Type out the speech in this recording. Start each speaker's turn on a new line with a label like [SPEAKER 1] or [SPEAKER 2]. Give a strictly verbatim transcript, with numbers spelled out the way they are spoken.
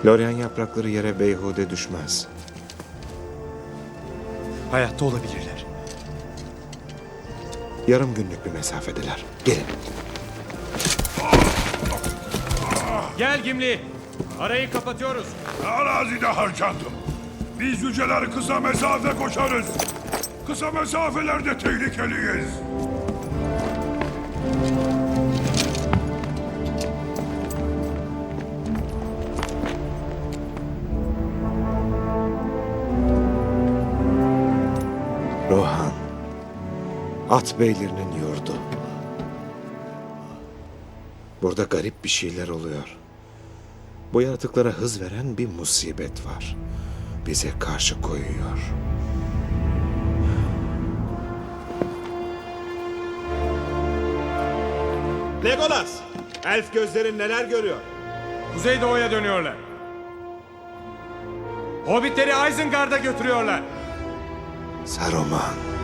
[SPEAKER 1] Lorien yaprakları yere beyhude düşmez.
[SPEAKER 2] Hayatta olabilirler.
[SPEAKER 1] Yarım günlük bir mesafedeler. Gelin.
[SPEAKER 3] Gel Gimli. Arayı kapatıyoruz.
[SPEAKER 4] Arazide harcandım. Biz yüceler kısa mesafe koşarız. Kısa mesafelerde tehlikeliyiz.
[SPEAKER 1] Rohan. At beylerinin yurdu. Burada garip bir şeyler oluyor. Bu yaratıklara hız veren bir musibet var. Bize karşı koyuyor.
[SPEAKER 5] Legolas! Elf gözlerin neler görüyor?
[SPEAKER 3] Kuzeydoğu'ya dönüyorlar. Hobbitleri Isengard'a götürüyorlar.
[SPEAKER 1] Saruman.